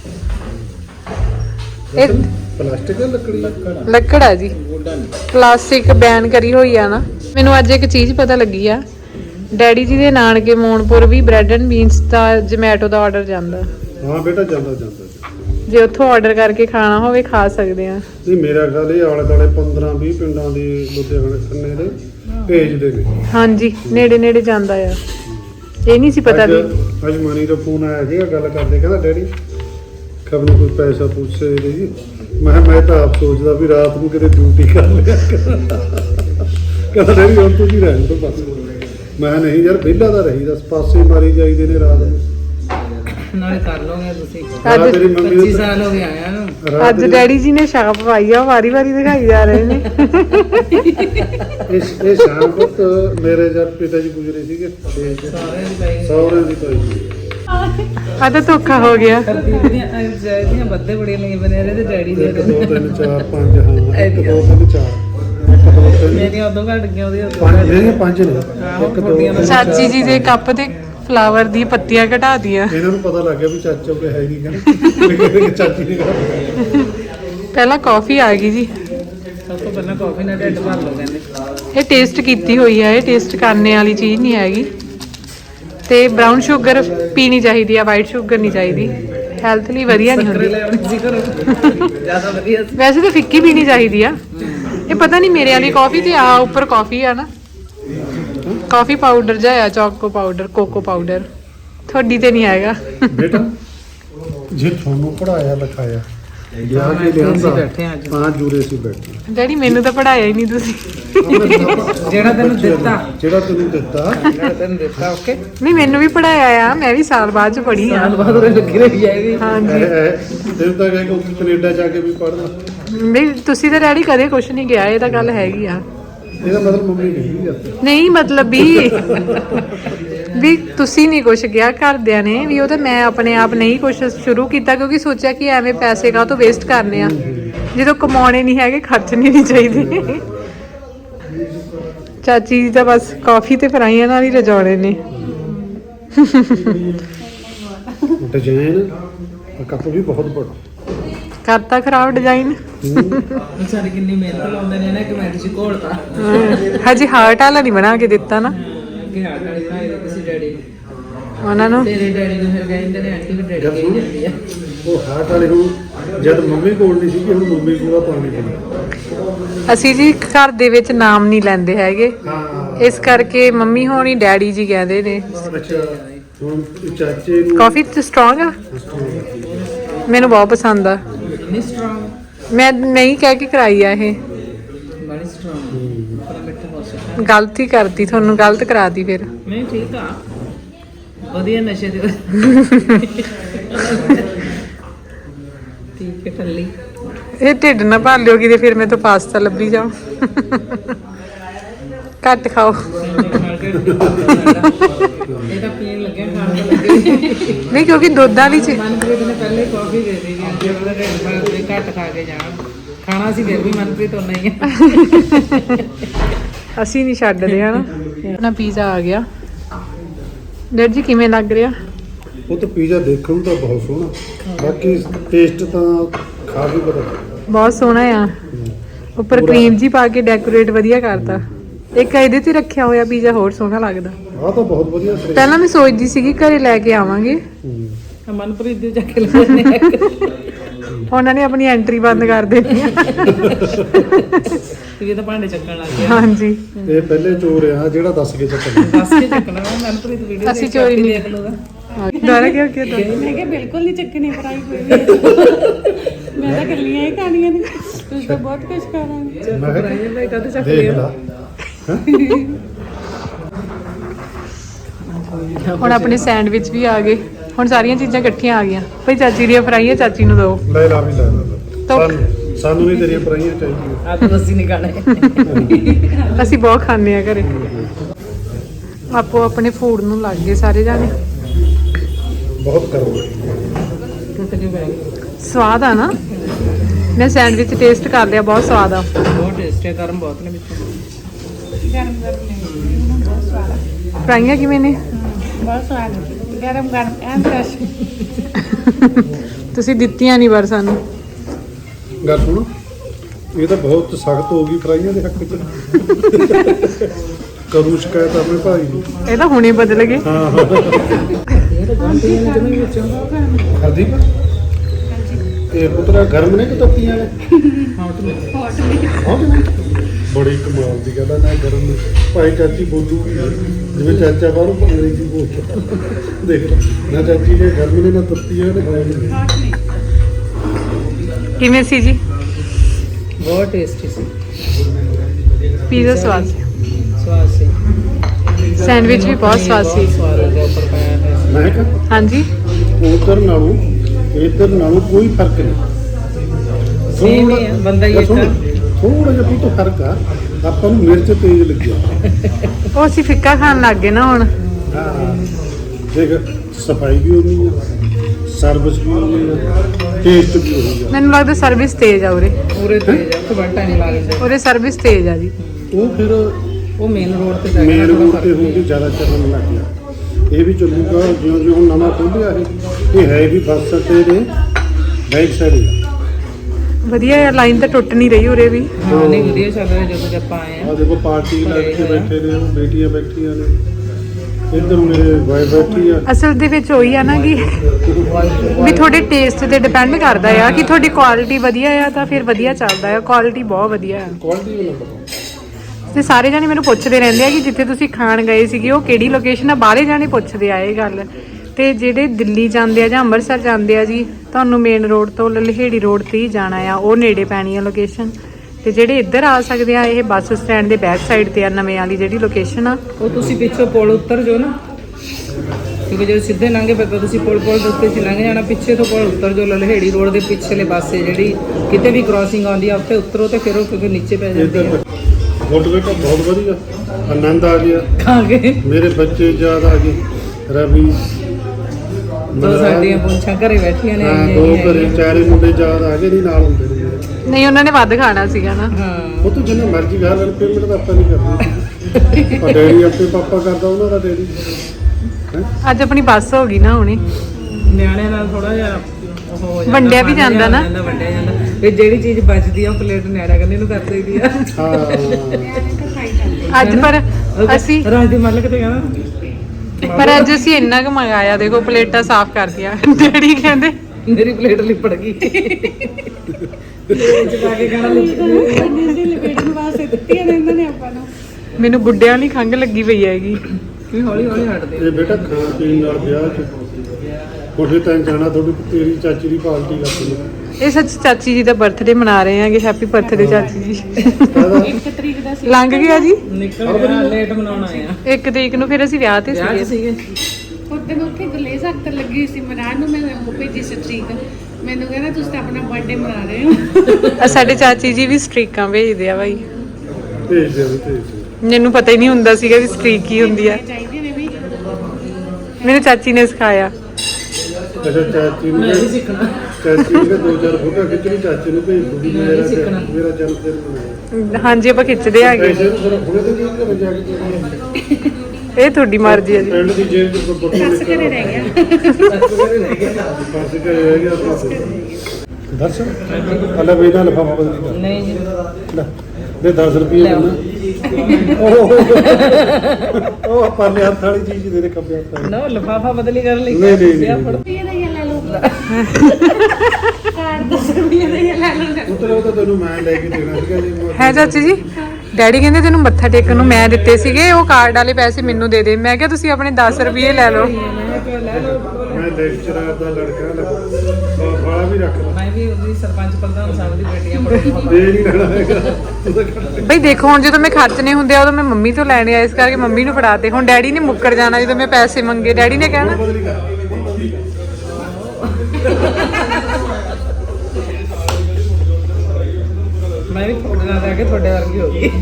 ਇਹ
ਪਲਾਸਟਿਕ ਦਾ ਲੱਕੜੀ
ਲੱਕੜ ਆ ਜੀ, ਪਲਾਸਟਿਕ ਬੈਨ ਕਰੀ ਹੋਈ ਆ ਨਾ। ਮੈਨੂੰ ਅੱਜ ਇੱਕ ਚੀਜ਼ ਪਤਾ ਲੱਗੀ ਆ, ਡੈਡੀ ਜੀ ਦੇ ਨਾਨਕੇ ਮੋਨਪੁਰ ਵੀ ਬ੍ਰੈਡ ਐਂਡ ਬੀਨਸ ਦਾ ਜ਼ੋਮੈਟੋ ਦਾ ਆਰਡਰ ਜਾਂਦਾ।
ਹਾਂ ਬੇਟਾ ਜਾਂਦਾ ਜਾਂਦਾ।
ਜੇ ਉੱਥੋਂ ਆਰਡਰ ਕਰਕੇ ਖਾਣਾ ਹੋਵੇ ਖਾ ਸਕਦੇ ਆ।
ਨਹੀਂ ਮੇਰਾ ਖਿਆਲ ਇਹ ਆਲੇ ਦੁਆਲੇ 15-20 ਪਿੰਡਾਂ ਦੀ ਲੁਧਿਆਣੇ ਖੰਨੇ ਦੇ ਭੇਜਦੇ ਨੇ।
ਹਾਂਜੀ, ਨੇੜੇ ਨੇੜੇ ਜਾਂਦਾ ਆ। ਇਹ ਨਹੀਂ ਸੀ ਪਤਾ ਵੀ।
ਅੱਜ ਮਨੀ ਦਾ ਫੋਨ ਆਇਆ ਸੀਗਾ, ਗੱਲ ਕਰਦੇ, ਕਹਿੰਦਾ ਡੈਡੀ ਖਬਰ ਨੂੰ ਕੋਈ ਪੈਸਾ ਪੁੱਛੇ ਦੇ ਜੀ। ਮੈਂ ਤਾਂ ਆਪ ਸੋਚਦਾ ਵੀ ਰਾਤ ਨੂੰ ਕਿਤੇ ਡਿਊਟੀ ਕਰ ਲਿਆ। ਕਹਿੰਦਾ ਡੈਡੀ ਹੁਣ ਤੁਸੀਂ ਰਹਿਣ ਤੋਂ ਬਸ। ਮੈਂ ਨਹੀਂ ਯਾਰ ਵਿਹਲਾ ਤਾਂ ਰਹੀਦਾ, ਪਾਸੇ ਮਾਰੀ ਜਾਈਦੇ ਨੇ ਰਾਤ ਨੂੰ।
ਨਾਲੇ ਕਰ ਲੋਗੇ ਤੁਸੀਂ।
ਰਾਤ ਤੇਰੀ ਮੰਮੀ
25
ਨੂੰ
ਸਾਲ ਹੋ ਗਏ ਆਇਆ ਨੂੰ।
ਰਾਤ
ਅੱਜ
ਤੇਰੀ-
ਡੈਡੀ ਜੀ ਨੇ ਛਾਪ ਪਾਈ ਆ, ਵਾਰੀ ਵਾਰੀ ਦਿਖਾਈ ਜਾ ਰਹੇ ਨੇ।
ਇਹ ਸ਼ਾਮ ਪੁੱਤ ਮੇਰੇ ਜਦ ਪਿਤਾ ਜੀ ਗੁਜ਼ਰੇ ਸੀਗੇ
ਸਾਰਿਆਂ ਦੀ ਪਾਈ
ਸਹੁਰੇ ਦੀ ਭਾਈ
ਆ ਤਾਂ ਧੋਖਾ ਹੋ ਗਿਆ।
ਦੀਦੀ ਦੀਆਂ ਜਿਹੜੀਆਂ ਬੱਦੇ ਬੜੀਆਂ ਲਈ ਬਣੇ ਰਹੇ ਤੇ ਡੈਡੀ ਦੀਆਂ
1 2 3 4 5 ਹਾਂ 1 2 3 4 1 2 3
ਮੇਰੀਆਂ ਉਦੋਂ ਘਟ ਗਈਆਂ ਉਹਦੀਆਂ ਉਦੋਂ।
5 ਜਿਹੜੀਆਂ 5 ਨੇ 1 2
ਚਾਚੀ ਜੀ ਦੇ ਕੱਪ ਤੇ ਫਲਾਵਰ ਦੀ ਪੱਤੀਆਂ ਘਟਾ ਦੀਆਂ।
ਇਹਨਾਂ ਨੂੰ ਪਤਾ ਲੱਗ ਗਿਆ ਵੀ ਚਾਚਾ ਕੇ ਹੈ ਹੀ ਨਹੀਂ ਕਹਿੰਦੇ ਚਾਚੀ ਨੇ ਕਿਹਾ
ਪਹਿਲਾਂ ਕਾਫੀ ਆ ਗਈ ਜੀ।
ਸਭ ਤੋਂ ਪਹਿਲਾਂ ਕਾਫੀ ਨਾਲ ਢਿੱਡ ਭਰ ਲਓ ਕਹਿੰਦੇ।
ਇਹ ਟੇਸਟ ਕੀਤੀ ਹੋਈ ਆ, ਇਹ ਟੇਸਟ ਕਰਨੇ ਵਾਲੀ ਚੀਜ਼ ਨਹੀਂ ਹੈਗੀ। ਤੇ ਬ੍ਰਾਊਨ ਸ਼ੂਗਰ ਪੀਣੀ ਚਾਹੀਦੀ ਆ, ਵਾਈਟ ਸ਼ੂਗਰ ਨਹੀਂ ਚਾਹੀਦੀ, ਹੈਲਥ ਲਈ ਵਧੀਆ ਨਹੀਂ
ਸ਼ੱਕਰ
ਹੁੰਦੀ।
ਲੈ ਆਉਣੀ ਸੀ ਘਰੋਂ, ਜ਼ਿਆਦਾ ਵਧੀਆ ਸੀ।
ਵੈਸੇ ਤਾਂ ਫਿੱਕੀ ਪੀਣੀ ਚਾਹੀਦੀ ਆ। ਇਹ ਪਤਾ ਨਹੀਂ ਮੇਰੇ ਵਾਲੀ ਕਾਫੀ ਤੇ ਆ ਉੱਪਰ ਕਾਫੀ ਆ ਨਾ, ਕਾਫੀ ਪਾਊਡਰ ਜਾਂ ਆ, ਚੋਕੋ ਪਾਊਡਰ, ਕੋਕੋ ਪਾਊਡਰ। ਤੁਹਾਡੀ ਤੇ ਨਹੀਂ ਹੈਗਾ।
ਬੇਟਾ ਜੇ ਤੁਹਾਨੂੰ ਪੜਾਇਆ ਲਿਖਾਇਆ ਲਿਆ ਕੇ ਲਿਆਂਦਾ
ਬੈਠੇ ਅੱਜ।
5 ਜੂਰੇ ਸੀ ਬੈਠੇ
ਡੈਡੀ ਮੈਨੂੰ ਤਾਂ ਪੜਾਇਆ ਹੀ ਨਹੀਂ ਤੁਸੀਂ।
ਜਿਹੜਾ ਤੈਨੂੰ ਦਿੱਤਾ
ਜਿਹੜਾ ਤੈਨੂੰ ਦਿੱਤਾ
ਜਿਹੜਾ ਤੈਨੂੰ ਦਿੱਤਾ ਓਕੇ।
ਨਹੀਂ, ਮੈਨੂੰ ਵੀ ਪੜਾਇਆ ਆ, ਮੈਂ ਵੀ ਸਾਲ ਬਾਅਦ ਚ ਪੜ੍ਹੀ ਆ।
ਸਾਲ ਬਾਅਦ ਉਹ ਲੱਗੀ ਰਹੀ ਜਾਏਗੀ।
ਹਾਂਜੀ,
ਤੈਨੂੰ ਤਾਂ ਕਹਿ ਕੇ ਉੱਥੇ ਕੈਨੇਡਾ ਜਾ ਕੇ ਵੀ ਪੜ੍ਹਨਾ।
ਵੀ ਤੁਸੀਂ ਤਾਂ ਡੈਡੀ ਕਦੇ ਕੁਛ ਨਹੀਂ ਗਿਆ, ਇਹ ਤਾਂ ਗੱਲ ਹੈਗੀ ਆ।
ਇਹਦਾ ਮਤਲਬ ਮੰਮੀ ਨਹੀਂ ਜਾਂਦੀ।
ਨਹੀਂ ਮਤਲਬ ਵੀ ਤੁਸੀਂ ਨਹੀਂ ਕੁਛ ਗਿਆ, ਘਰਦਿਆਂ ਨੇ ਵੀ। ਉਹ ਤਾਂ ਮੈਂ ਆਪਣੇ ਆਪ ਨਹੀਂ ਕੁਛ ਸ਼ੁਰੂ ਕੀਤਾ, ਕਿਉਂਕਿ ਸੋਚਿਆ ਕਿ ਐਵੇਂ ਪੈਸੇ ਕਾਹ ਤੋਂ ਵੇਸਟ ਕਰਨੇ ਆ, ਜਦੋਂ ਕਮਾਉਣੇ ਨਹੀਂ ਹੈਗੇ ਖਰਚਣੇ ਨਹੀਂ ਚਾਹੀਦੇ। ਚਾਚੀ ਜੀ ਤਾਂ ਬਸ ਕਾਫੀ ਤੇ ਫਰਾਈਆਂ ਨਾਲ ਹੀ ਰਜਾਉਣੇ ਨੇ।
ਡਿਜ਼ਾਈਨ ਕੱਪ ਵੀ ਬਹੁਤ ਬੜਾ
ਕਰਤਾ ਖਰਾਬ ਡਿਜ਼ਾਈਨ।
ਸਾਡੀ ਕਿੰਨੀ ਮਿਹਨਤ ਲਾਉਂਦੇ ਨੇ ਨਾ, ਕਮੈਂਟ 'ਚ ਘੋਲਤਾ।
ਹਜੇ ਹਾਰਟ ਵਾਲਾ ਨਹੀਂ ਬਣਾ ਕੇ ਦਿੱਤਾ ਨਾ
ਕਿ ਹਾਰਟ ਵਾਲੀ ਬਣਾਈ ਦਿੱਤੀ ਸੀ ਡੈਡੀ ਨੇ।
ਉਹਨਾਂ ਨੂੰ।
ਤੇਰੇ ਡੈਡੀ ਨੂੰ ਫਿਰ ਕਹਿੰਦੇ ਨੇ ਆਂਟੀ ਵੀ ਡੈਡੀ ਕਹੀ ਜਾਂਦੀ ਆ।
ਉਹ ਹਾਰਟ ਵਾਲੇ ਹੁਣ ਜਦ ਮੰਮੀ ਕੋਲ ਨਹੀਂ ਸੀਗੀ, ਹੁਣ ਮੰਮੀ ਕੋਲ ਪਾਣੀ ਪੀਂਦਾ।
ਅਸੀਂ ਜੀ ਘਰ ਦੇ ਵਿੱਚ ਨਾਮ ਨਹੀਂ ਲੈਂਦੇ ਹੈਗੇ,
ਹਾਂ
ਇਸ ਕਰਕੇ ਮੰਮੀ ਹੋਣੀ ਡੈਡੀ ਜੀ ਕਹਿੰਦੇ ਨੇ।
ਅੱਛਾ ਹੁਣ ਚਾਚੇ ਨੂੰ
ਕਾਫੀ ਸਟਰੋਂਗ ਆ ਮੈਨੂੰ ਬਹੁਤ ਪਸੰਦ ਆ
ਇੰਨੀ ਸਟਰੋਂਗ
ਮੈਂ ਨਹੀਂ ਕਹਿ ਕੇ ਕਰਾਈ ਆ ਇਹ
ਬੜੀ ਸਟਰੋਂਗ ਪਰ ਮਿੱਠਾ ਬਹੁਤ ਸਟਰੋਂਗ
ਗਲਤ ਹੀ ਕਰਤੀ ਤੁਹਾਨੂੰ ਗਲਤ ਕਰਾਤੀ ਫਿਰ
ਨਹੀਂ ਠੀਕ ਆ ਵਧੀਆ ਨਸ਼ੇ ਦੇ ਠੀਕ ਹੈ ਟੱਲੀ
ਇਹ ਢਿੱਡ ਨਾ ਭਰ ਲਿਓ ਕਿਤੇ ਫਿਰ ਮੈਂ ਤਾਂ ਪਾਸਤਾ ਲੱਭੀ ਜਾਵਾਂ ਘੱਟ ਖਾਓ
ਇਹ ਤਾਂ ਪੀਣ ਲੱਗਿਆ ਖਾਣ ਤੋਂ ਲੱਗੇ
ਨਹੀਂ ਕਿਉਂਕਿ ਦੁੱਧ ਵਾਲੀ ਚ
ਮਨਪ੍ਰੀਤ ਨੇ ਪਹਿਲੇ ਕਾਫੀ ਦੇ ਦਿੱਤੀ ਕਿ ਉਹਦਾ ਢਿੱਡ ਭਰ ਦੇ ਘੱਟ ਖਾ ਕੇ ਜਾਣ ਖਾਣਾ ਸੀ ਫਿਰ ਵੀ ਮਨਪ੍ਰੀਤ ਉਹਨਾਂ ਹੀ ਆ
ਅਸੀਂ ਨਹੀਂ ਛੱਡਦੇ ਹਨਾ ਆਪਣਾ ਪੀਜ਼ਾ ਆ ਗਿਆ ਡੈਡ ਜੀ ਕਿਵੇਂ ਲੱਗ ਰਿਹਾ
ਉਹ ਤਾਂ ਪੀਜ਼ਾ ਦੇਖਣ ਨੂੰ ਤਾਂ ਬਹੁਤ ਸੋਹਣਾ ਬਾਕੀ ਟੇਸਟ ਤਾਂ ਖਾ ਕੇ ਪਤਾ
ਬਹੁਤ ਸੋਹਣਾ ਆ ਉੱਪਰ ਕਰੀਮ ਜੀ ਪਾ ਕੇ ਡੈਕੋਰੇਟ ਵਧੀਆ ਕਰਤਾ ਇੱਕ ਇਹਦੇ ਤੇ ਰੱਖਿਆ ਹੋਇਆ ਪੀਜ਼ਾ ਹੋਰ ਸੋਹਣਾ ਲੱਗਦਾ
ਆਹ ਤਾਂ ਬਹੁਤ ਵਧੀਆ ਟੇਸਟ
ਪਹਿਲਾਂ ਮੈਂ ਸੋਚਦੀ ਸੀਗੀ ਘਰੇ ਲੈ ਕੇ ਆਵਾਂਗੇ
ਮਨਪ੍ਰੀਤ ਦੇ ਜਾ ਕੇ ਲੈਣੇ
ਉਹਨਾਂ ਨੇ ਆਪਣੀ ਐਂਟਰੀ ਬੰਦ ਕਰ ਦੇਣੀ ਆ
ਇਹ ਤਾਂ ਭਾਂਡੇ ਚੱਕਣ ਲੱਗ ਗਿਆ
ਹਾਂਜੀ
ਇਹ ਪਹਿਲੇ ਚੋਰ ਆ ਜਿਹੜਾ ਦੱਸ ਕੇ ਚੱਕਰ
ਦੱਸ ਕੇ ਚੱਕਣਾ ਮਨਪ੍ਰੀਤ ਵੀਡੀਓ
ਅਸੀਂ ਚੋਰੀ ਨਹੀਂ
ਦੇਖ ਲਊਗਾ
ਦੁਬਾਰਾ ਕਿਉਂ ਕਿਹਾ
ਮੈਂ ਕਿਹਾ ਬਿਲਕੁਲ ਨਹੀਂ ਚੱਕਣੀ ਫਰਾਈ ਕੋਈ ਵੀ ਮੈਂ ਤਾਂ ਕੱਲੀਆਂ ਹੀ ਖਾਣੀਆਂ ਨੇ ਤੁਸੀਂ ਤਾਂ ਬਹੁਤ ਕੁਝ ਖਾਣਾ
ਮੈਂ
ਫਰਾਈ ਮੈਂ ਕਦ ਚੱਕ
ਦੇਖ
ਲਿਆ
ਲਾ
ਹੁਣ ਆਪਣੇ ਸੈਂਡਵਿਚ ਵੀ ਆ ਗਏ ਹੁਣ ਸਾਰੀਆਂ ਚੀਜ਼ਾਂ ਇਕੱਠੀਆਂ ਆ ਗਈਆਂ ਭਈ ਚਾਚੀ ਦੀਆਂ ਫਰਾਈਆਂ ਚਾਚੀ ਨੂੰ ਦਿਓ
ਲੈ ਲਾ ਵੀ ਲੈ ਲਾ
ਤਾਂ-
ਸਾਨੂੰ ਨਹੀਂ ਤੇਰੀਆਂ ਪਰਾਈਆਂ ਚਾਹੀਦੀਆਂ
ਆ ਤਾਂ ਅਸੀਂ ਨਹੀਂ ਖਾਣੇ
ਅਸੀਂ ਬਹੁਤ ਖਾਂਦੇ ਆ ਘਰੇ ਆਪੋ ਆਪਣੇ ਫੂਡ ਨੂੰ ਲੱਗ ਗਏ ਸਾਰੇ ਜਾਣੇ
ਬਹੁਤ ਕਰੋ
ਟੁੱਟ ਜੂ ਬੈਗ
ਸਵਾਦ ਆ ਨਾ ਮੈਂ ਸੈਂਡਵਿਚ ਟੇਸਟ ਕਰ ਲਿਆ ਬਹੁਤ ਸਵਾਦ ਆ
ਬਹੁਤ ਟੇਸਟੀ ਹੈ ਗਰਮ ਬਹੁਤ ਨੇ ਵਿੱਚੋਂ
ਗਰਮ ਗਰਮ ਨੇ ਬਹੁਤ ਸਵਾਦ ਆ।
ਫਰਾਈਆਂ ਕਿਵੇਂ ਨੇ
ਬਹੁਤ ਸਵਾਦ ਗਰਮ ਗਰਮ ਐਨ ਫਰੈਸ਼
ਤੁਸੀਂ ਦਿੱਤੀਆਂ ਨਹੀਂ ਪਰ ਸਾਨੂੰ
ਗੱਲ ਸੁਣ ਇਹ ਤਾਂ ਬਹੁਤ ਸਖਤ ਹੋ ਗਈ ਫਰਾਈਆਂ ਦੇ ਹੱਕ 'ਚ ਕਰੂ ਸ਼ਿਕਾਇਤ ਆਪਣੇ ਭਾਈ ਨੂੰ
ਇਹ ਤਾਂ ਹੁਣੇ ਬਦਲ ਗਏ
ਹਾਂ
ਇਹ ਤਾਂ ਗਰਮ ਪਈਆਂ ਨੇ ਜਮੇ ਵਿੱਚੋਂ
ਹਰਦੀਪ ਇਹ ਪੁੱਤਰਾ ਗਰਮ ਨੇ ਕਿ ਤੱਤੀਆਂ ਨੇ
ਹੌਟ ਨੇ
ਹਾਂ ਬੜੀ ਕਮਾਲ ਦੀ ਗੱਲ ਆ ਨਾ ਗਰਮ ਨੇ ਭਾਈ ਚਾਚੀ ਬੋਲੂ ਜਿਵੇਂ ਚਾਚਾ ਬਾਹਰੋਂ ਅੰਗਰੇਜ਼ੀ ਬੋਲਦਾ ਦੇਖ ਲਓ ਨਾ ਚਾਚੀ ਨੇ ਗਰਮ ਨੇ ਨਾ ਤੱਤੀਆਂ ਨੇ ਹੈ ਨਹੀਂ
ਕਿਵੇਂ ਸੀ ਜੀ
ਬਹੁਤ ਟੇਸਟੀ ਸੀ
ਪੀਜ਼ਾ ਸਵਾਦ ਸੀ
ਸਵਾਦ ਸੀ
ਸੈਂਡਵਿਚ ਵੀ ਬਹੁਤ ਸਵਾਦ ਸੀ
ਸਵਾਦ ਹੋ ਗਿਆ ਉੱਪਰ ਪਾਇਆ ਹੋਇਆ ਸੀ
ਮੈਂ ਕਿਹਾ
ਹਾਂਜੀ
ਉਧਰ ਨਾਲੋਂ ਇੱਧਰ ਨਾਲੋਂ ਕੋਈ ਫਰਕ ਨਹੀਂ
Same ਹੀ ਆ, ਬੰਦਾ ਹੀ ਇੱਕ ਆ।
ਥੋੜਾ ਜਿਹਾ ਪੁੱਤ ਫਰਕ ਆ ਆਪਾਂ ਨੂੰ ਮਿਰਚ ਤੇਜ਼ ਲੱਗਿਆ
ਉਹ ਅਸੀਂ ਫਿੱਕਾ ਖਾਣ ਲੱਗ ਗਏ ਨਾ ਹੁਣ
ਹਾਂ ਦੇਖ ਸਫਾਈ ਵੀ ਹੋਣੀ ਆ ਸਰਵਿਸ ਵੀ ਹੋਣੀ ਆ ਟੇਸਟ ਵੀ ਹੋਣੀ ਆ
ਮੈਨੂੰ ਲੱਗਦਾ ਸਰਵਿਸ ਤੇਜ਼ ਆ ਉਰੇ
ਪੂਰੇ ਤੇਜ਼ ਆ ਉੱਥੇ ਬੰਟਾ ਨਹੀਂ ਲੱਗਦਾ
ਉਰੇ ਸਰਵਿਸ ਤੇਜ਼ ਆ ਜੀ
ਉਹ ਫਿਰ
ਉਹ ਮੇਨ ਰੋਡ ਤੇ ਜਾ
ਮੇਨ ਰੋਡ ਤੇ ਹੋ ਕੇ ਜ਼ਿਆਦਾ ਚੱਲਣ ਲੱਗ ਗਿਆ ਇਹ ਵੀ ਚੱਲੂਗਾ ਜਿਉਂ ਜਿਉਂ ਹੁਣ ਨਵਾਂ ਖੁੱਲਿਆ ਇਹ ਹੈ ਵੀ ਬੱਸ ਅੱਡੇ ਦੇ ਬੈਕ ਸਾਈਡ
ਵਧੀਆ ਆ ਲਾਈਨ ਤਾਂ ਟੁੱਟ ਨਹੀਂ ਰਹੀ ਉਰੇ ਵੀ
ਹਾਂ ਨਹੀਂ ਵਧੀਆ ਚੱਲ ਰਿਹਾ ਜਦੋਂ ਦੇ ਆਪਾਂ ਆਏ
ਆ
ਆ
ਦੇਖੋ ਪਾਰਟੀ ਲੱਗ ਕੇ ਬੈਠੇ ਨੇ ਉਹ ਬੇਟੀਆਂ ਬੈਠੀਆਂ ਨੇ ਇੱਧਰ ਮੇਰੇ ਵਾਈ ਬੈਠੀ ਆ
ਅਸਲ ਦੇ ਵਿੱਚ ਉਹੀ ਆ ਨਾ ਕਿ ਵੀ ਤੁਹਾਡੇ ਟੇਸਟ ਤੇ ਡਿਪੈਂਡ ਕਰਦਾ ਆ ਕਿ ਤੁਹਾਡੀ ਕੁਆਲਿਟੀ ਵਧੀਆ ਆ ਤਾਂ ਫਿਰ ਵਧੀਆ ਚੱਲਦਾ ਆ ਕੁਆਲਿਟੀ ਬਹੁਤ ਵਧੀਆ ਆ
ਕੁਆਲਿਟੀ ਵੀ ਨਾ ਪਤਾ
ਤੇ ਸਾਰੇ ਜਾਣੇ ਮੈਨੂੰ ਪੁੱਛਦੇ ਰਹਿੰਦੇ ਆ ਕਿ ਜਿੱਥੇ ਤੁਸੀਂ ਖਾਣ ਗਏ ਸੀਗੇ ਉਹ ਕਿਹੜੀ ਲੋਕੇਸ਼ਨ ਆ ਬਾਹਰੇ ਜਾਣੇ ਪੁੱਛਦੇ ਆ ਇਹ ਗੱਲ ਤੇ ਜਿਹੜੇ ਦਿੱਲੀ ਜਾਂਦੇ ਆ ਜਾਂ ਅੰਮ੍ਰਿਤਸਰ ਜਾਂਦੇ ਆ ਜੀ ਤੁਹਾਨੂੰ ਮੇਨ ਰੋਡ ਤੋਂ ਲਲਹੇੜੀ ਰੋਡ ਤੇ ਹੀ ਜਾਣਾ ਆ ਉਹ ਨੇੜੇ ਪੈਣੀ ਆ ਲੋਕੇਸ਼ਨ ਤੇ ਜਿਹੜੇ ਇੱਧਰ ਆ ਸਕਦੇ ਆ ਇਹ ਬੱਸ ਸਟੈਂਡ ਦੇ ਬੈਕ ਸਾਈਡ ਤੇ ਆ ਨਵੇਂ ਵਾਲੀ ਜਿਹੜੀ ਲੋਕੇਸ਼ਨ ਆ
ਉਹ ਤੁਸੀਂ ਪਿੱਛੋਂ ਪੁਲ ਉੱਤਰ ਜੋ ਨਾ ਕਿਉਂਕਿ ਜਦੋਂ ਸਿੱਧੇ ਲੰਘੇ ਪਏ ਤਾਂ ਤੁਸੀਂ ਪੁਲ ਦੇ ਉੱਤੇ ਚ ਲੰਘ ਜਾਣਾ ਪਿੱਛੇ ਤੋਂ ਪੁਲ ਉੱਤਰ ਜੋ ਲਲਹੇੜੀ ਰੋਡ ਦੇ ਪਿਛਲੇ ਪਾਸੇ ਜਿਹੜੀ ਕਿਤੇ ਵੀ ਕ੍ਰਾਸਿੰਗ ਆਉਂਦੀ ਆ ਉੱਥੇ ਉਤਰੋ ਤੇ ਫਿਰ ਉਹ ਕਿਉਂਕਿ ਨੀਚੇ ਪੈ ਜਾਂਦੀ
ਇੱਧਰ
ਆ
ਗੁੱਡ ਬੇਟਾ ਬਹੁਤ ਵਧੀਆ ਆਨੰਦ ਆ ਗਿਆ
ਖਾ ਕੇ
ਮੇਰੇ ਬੱਚੇ ਯਾਦ ਆ ਗਏ ਰਵੀ
ਦੋ ਸਾਡੀਆਂ ਪੁੰਛਾਂ ਘਰੇ ਬੈਠੀਆਂ ਨੇ
ਹਾਂ
ਇੰਨੀਆਂ
ਦੋ
ਹੀ
ਘਰੇ
ਹੈਗੀਆਂ।
ਚਾਰੇ ਮੁੰਡੇ ਯਾਦ ਆ ਗਏ ਨਹੀਂ ਨਾਲ ਹੁੰਦੇ ਨੇ
ਨਹੀਂ ਉਹਨਾਂ ਨੇ ਵੱਧ ਖਾਣਾ ਸੀਗਾ ਨਾ
ਹਾਂ
ਉਹ ਤਾਂ ਜਿੰਨਾ ਮਰਜ਼ੀ ਖਾ ਲੈਣ ਪੇਮੈਂਟ ਤਾਂ ਆਪਾਂ ਨਹੀਂ ਕਰਦੇ ਪਰ ਡੈਡੀ ਆਪਣੇ ਪਾਪਾ ਕਰਦਾ ਉਹਨਾਂ ਦਾ ਡੈਡੀ
ਅੱਜ ਆਪਣੀ ਬੱਸ ਹੋ ਗਈ ਨਾ ਹੁਣੇ
ਨਿਆਣਿਆਂ ਨਾਲ ਥੋੜਾ ਜਿਹਾ ਉਹ ਹੋ ਜਾਂਦਾ
ਵੰਡਿਆ ਵੀ ਜਾਂਦਾ ਨਾ।
ਵੰਡਿਆ ਜਾਂਦਾ ਇਹ ਜਿਹੜੀ ਚੀਜ਼ ਬਚਦੀ ਆ ਉਹ ਪਲੇਟ ਨਿਆਣਾ ਕਰਨੇ ਨੂੰ ਕਰ ਦਈਦੀ ਆ
ਹਾਂ
ਅੱਜ ਪਰ ਅਸੀਂ
ਰਾਜ ਦੀ ਮਾਲਕ ਤੇ ਕਹਿੰਦਾ
ਪਰ ਅੱਜ ਅਸੀਂ ਇੰਨਾ ਕੁ ਮੰਗਾਇਆ ਦੇਖੋ ਪਲੇਟਾਂ ਸਾਫ਼ ਕਰ ਦਿਆ ਡੈਡੀ ਕਹਿੰਦੇ
ਮੇਰੀ ਪਲੇਟ ਲਿਪੜ ਗਈ ਚੁਕਾ ਕੇ ਕਹਿਣਾ
ਪਨੀਰ ਦੀ ਲਪੇਟਣ ਵਾਸਤੇ ਦਿੱਤੀਆਂ ਨੇ ਇਹਨਾਂ ਨੇ ਆਪਾਂ ਨੂੰ
ਮੈਨੂੰ ਗੁੱਡਿਆਂ ਲਈ ਖੰਘ ਲੱਗੀ ਪਈ ਹੈਗੀ
ਵੀ ਹੌਲੀ ਹੌਲੀ ਹਟਦੇ
ਇਹ ਬੇਟਾ ਖਾਣ ਪੀਣ ਨਾਲ ਵਿਆਹ ਚ ਕੋਠੇ ਤਾਂ ਜਾਣਾ, ਤੁਹਾਡੀ ਤੇਰੀ ਚਾਚੀ ਦੀ ਪਾਰਟੀ ਲੱਗੀ
ਇਹ ਸੱਚ ਚਾਚੀ ਜੀ ਦਾ ਬਰਥਡੇ ਮਨਾ ਰਹੇ ਆਂਗੇ। ਹੈਪੀ ਬਰਥਡੇ ਚਾਚੀ ਜੀ।
1 ਤਰੀਕ ਦਾ ਸੀ।
ਲੰਘ ਗਿਆ ਜੀ।
ਨਿਕਲ ਗਿਆ, ਲੇਟ ਮਨਾਉਣਾ ਆ
1 ਤਰੀਕ ਨੂੰ ਫਿਰ ਅਸੀਂ ਵਿਆਹ ਤੇ
ਵਿਆਹ 'ਚ
ਸੀਗੇ।
ਸੀਗੇ।
ਉੱਤੇ ਮੈਂ ਉੱਥੇ ਗਲੇਜ਼ ਅਖਤਰ ਲੱਗੀ ਹੋਈ ਸੀ ਮਨਾਉਣ ਨੂੰ। ਮੈਂ ਭੇਜੀ ਸਟਰੀਕ, ਮੈਨੂੰ ਕਹਿੰਦਾ ਤੁਸੀਂ ਤਾਂ ਆਪਣਾ ਬਰਥਡੇ ਮਨਾ ਰਹੇ ਹੋ।
ਸਾਡੇ ਚਾਚੀ ਜੀ ਵੀ ਸਟ੍ਰੀਕਾਂ ਭੇਜਦੇ ਆ ਬਾਈ।
ਭੇਜ ਦੇ।
ਮੈਨੂੰ ਪਤਾ ਹੀ ਨਹੀਂ ਹੁੰਦਾ ਸੀਗਾ ਵੀ ਸਟ੍ਰੀਕ ਕੀ ਹੁੰਦੀ ਆ।
ਚਾਹੀਦੇ ਨੇ ਵੀ।
ਮੈਨੂੰ ਚਾਚੀ ਨੇ ਸਿਖਾਇਆ।
ਅੱਛਾ ਚਾਚੀ ਨੂੰ
ਮੈਂ ਵੀ ਸਿੱਖਣਾ।
ਚਾਚੀ ਨੇ 2-4 ਫੋਟੋ ਖਿੱਚਣੀ, ਚਾਚੀ ਨੂੰ ਭੇਜ ਦੂਗੀ ਮੇਰਾ
ਸਿੱਖਣਾ।
ਮੇਰਾ ਜਨਮ ਦਿਨ ਮਨਾਇਆ।
ਹਾਂਜੀ ਆਪਾਂ ਖਿੱਚਦੇ ਆਗੇ।
ਪੈਸੇ ਹੁਣੇ ਤਾਂ ਕੀ ਘਰੇ ਜਾ ਕੇ
ਇਹ ਤੁਹਾਡੀ ਮਰਜ਼ੀ ਹੈ ਜੀ।
ਪਿੰਡ ਦੀ ਜੇਲ੍ਹ ਚ ਬੱਟੂ
ਸੱਸ ਘਰੇ ਰਹਿ ਗਿਆ।
ਪਾਸੇ ਘਰੇ ਰਹਿ ਗਿਆ ਪਾਸੇ ਦਰਸ਼ਨ ਅੱਲਾ ਵੀ ਇਹਦਾ ਲਫਾਫਾ ਬਦਲ ਕਰ
ਨਹੀਂ ਜੀ
ਲੈ ਦੇ 10 ਰੁਪਏ
ਲੈ
ਦੇਣਾ। ਉਹ ਪਰਲੇ ਹੱਥ ਵਾਲੀ ਚੀਜ਼ ਦੇ ਦੇ ਖੱਬੇ ਹੱਥ ਵਾਲੀ।
ਨਾ ਲਿਫਾਫਾ ਬਦਲੀ ਕਰ ਲਈ
ਨਹੀਂ, ਨਹੀਂ, ਨਹੀਂ।
ਆਹ ਫੜੋ।
ਰੁਪਏ ਦਾ ਹੀ ਲੈ ਲਓ। ਕਾਰ 10 ਰੁਪਏ ਦਾ ਹੀ ਲੈ ਲਓ।
ਉਤਰੇ ਉਹ ਤਾਂ ਤੈਨੂੰ ਮੈਂ ਲੈ ਕੇ ਦੇਣਾ ਸੀਗਾ ਜੀ
ਹੈ ਚਾਚੀ ਜੀ। ਡੈਡੀ ਕਹਿੰਦੇ ਤੈਨੂੰ ਮੱਥਾ ਟੇਕਣ ਨੂੰ ਮੈਂ ਦਿੱਤੇ ਸੀਗੇ, ਉਹ ਕਾਰਡ ਵਾਲੇ ਪੈਸੇ ਮੈਨੂੰ ਦੇ ਦੇ। ਮੈਂ ਕਿਹਾ ਤੁਸੀਂ ਆਪਣੇ 10 ਰੁਪਏ ਲੈ ਲਓ।
ਮੈਂ ਕਿਹਾ ਲੈ ਲਓ।
ਮੈਂ ਲੈਕਚਰਰ ਦਾ ਲੜਕਾ ਵਾਲਾ ਵੀ ਰੱਖ ਲਾ
ਮੈਂ ਵੀ ਉਹਦੀ ਸਰਪੰਚ ਪ੍ਰਧਾਨ ਸਾਹਿਬ ਦੀ ਬੇਟੀਆਂ ਪੜ੍ਹਦੀ
ਦੇ ਨਹੀਂ ਲੈਣਾ ਹੈਗਾ ਤੂੰ ਤਾਂ ਖੜਾ।
ਬਈ ਦੇਖੋ ਹੁਣ ਜਦੋਂ ਮੈਂ ਖਰਚਨੇ ਹੁੰਦੇ ਆ ਉਦੋਂ ਮੈਂ ਮੰਮੀ ਤੋਂ ਲੈਣੇ ਆ, ਇਸ ਕਰਕੇ ਮੰਮੀ ਨੂੰ ਫੜਾਤੇ। ਹੁਣ ਡੈਡੀ ਨੇ ਮੁੱਕਰ ਜਾਣਾ ਜਦੋਂ ਮੈਂ ਪੈਸੇ ਮੰਗੇ। ਡੈਡੀ ਨੇ ਕਹਿਣਾ
ਬਦਲੀ ਕਰ
ਮੈਂ ਵੀ ਤੁਹਾਡੇ ਨਾਲ ਰਹਿ ਕੇ ਤੁਹਾਡੇ ਵਰਗੀ ਹੋ ਗਈ।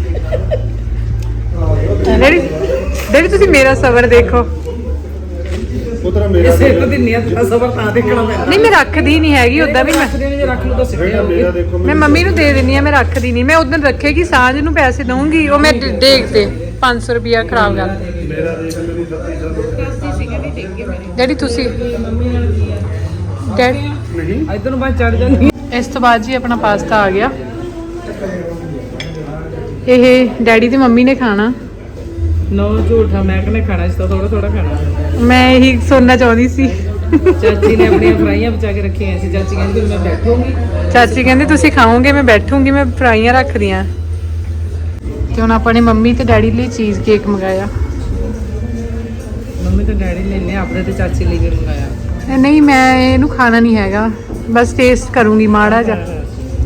ਡੈਡੀ ਡੈਡੀ ਤੁਸੀਂ ਮੇਰਾ ਸਬਰ ਦੇਖੋ।
ਉਤਰਾ ਮੇਰਾ
ਸਿਰ ਦੀ ਨੀਅਤ ਦਾ ਸਬਰ ਤਾਂ ਦੇਖਣਾ ਪੈਂਦਾ।
ਨਹੀਂ ਮੈਂ ਰੱਖਦੀ ਨਹੀਂ ਹੈਗੀ ਉਦਾਂ ਵੀ ਮੈਂ
ਜੇ ਰੱਖ ਲਓ ਤਾਂ ਸਿੱਧੇ ਹੋਊਗੀ।
ਮੇਰਾ ਦੇਖੋ
ਮੈਂ ਮੰਮੀ ਨੂੰ ਦੇ ਦਿੰਨੀ ਆ, ਮੈਂ ਰੱਖਦੀ ਨਹੀਂ। ਮੈਂ ਉਦੋਂ ਰੱਖੇਗੀ ਸਾਂਝ ਨੂੰ ਪੈਸੇ ਦਊਂਗੀ, ਉਹ ਮੈਂ ਡੇਕ ਤੇ 500 ਰੁਪਿਆ ਖਰਾਬ ਕਰ।
ਮੇਰਾ ਦੇਖ ਮੇਰੀ 37 ਸਾਲ
ਦੱਸਦੀ ਸੀ ਕਹਿੰਦੀ ਟਿਕ ਗਏ ਮੇਰੇ।
ਡੈਡੀ ਤੁਸੀਂ
ਮੰਮੀ ਨਾਲ ਕੀ ਆ
ਡੈਡੀ
ਨਹੀਂ
ਇਧਰ ਨੂੰ ਬਾਅਦ ਚੜ ਜਾਂਦੀ।
ਇਸ ਤੋਂ ਬਾਅਦ ਜੀ ਆਪਣਾ ਪਾਸਤਾ ਆ ਗਿਆ। ਇਹ ਡੈਡੀ ਤੇ ਮੰਮੀ ਨੇ ਖਾਣਾ।
ਨੋ ਝੂਠਾ ਮੈਂ ਕਹਿੰਦਾ ਖਾਣਾ ਇਸ ਤੋਂ ਥੋੜਾ ਥੋੜਾ ਖਾਣਾ।
ਮੈਂ ਇਹੀ ਸੁਣਨਾ ਚਾਹੁੰਦੀ ਸੀ।
ਚਾਚੀ ਨੇ ਆਪਣੀਆਂ ਫਰਾਈਆਂ ਬਚਾ ਕੇ ਰੱਖੀਆਂ ਸੀ। ਚਾਚੀ ਕਹਿੰਦੀ ਮੈਂ ਬੈਠੂੰਗੀ।
ਚਾਚੀ ਕਹਿੰਦੇ ਤੁਸੀਂ ਖਾਓਗੇ, ਮੈਂ ਬੈਠੂੰਗੀ, ਮੈਂ ਫਰਾਈਆਂ ਰੱਖਦੀ ਆ। ਤੇ ਹੁਣ ਆਪਾਂ ਨੇ ਮੰਮੀ ਤੇ ਡੈਡੀ ਲਈ ਚੀਜ਼ ਕੇਕ ਮੰਗਾਇਆ।
ਮੰਮੀ ਤੇ ਡੈਡੀ ਨੇ ਨੇ ਆਪਣੇ ਤੇ ਚਾਚੀ ਲਈ ਵੀ ਮੰਗਾਇਆ।
ਨਹੀਂ ਮੈਂ ਇਹਨੂੰ ਖਾਣਾ ਨਹੀਂ ਹੈਗਾ, ਬਸ ਟੇਸਟ ਕਰੂੰਗੀ ਮਾੜਾ ਜਿਹਾ।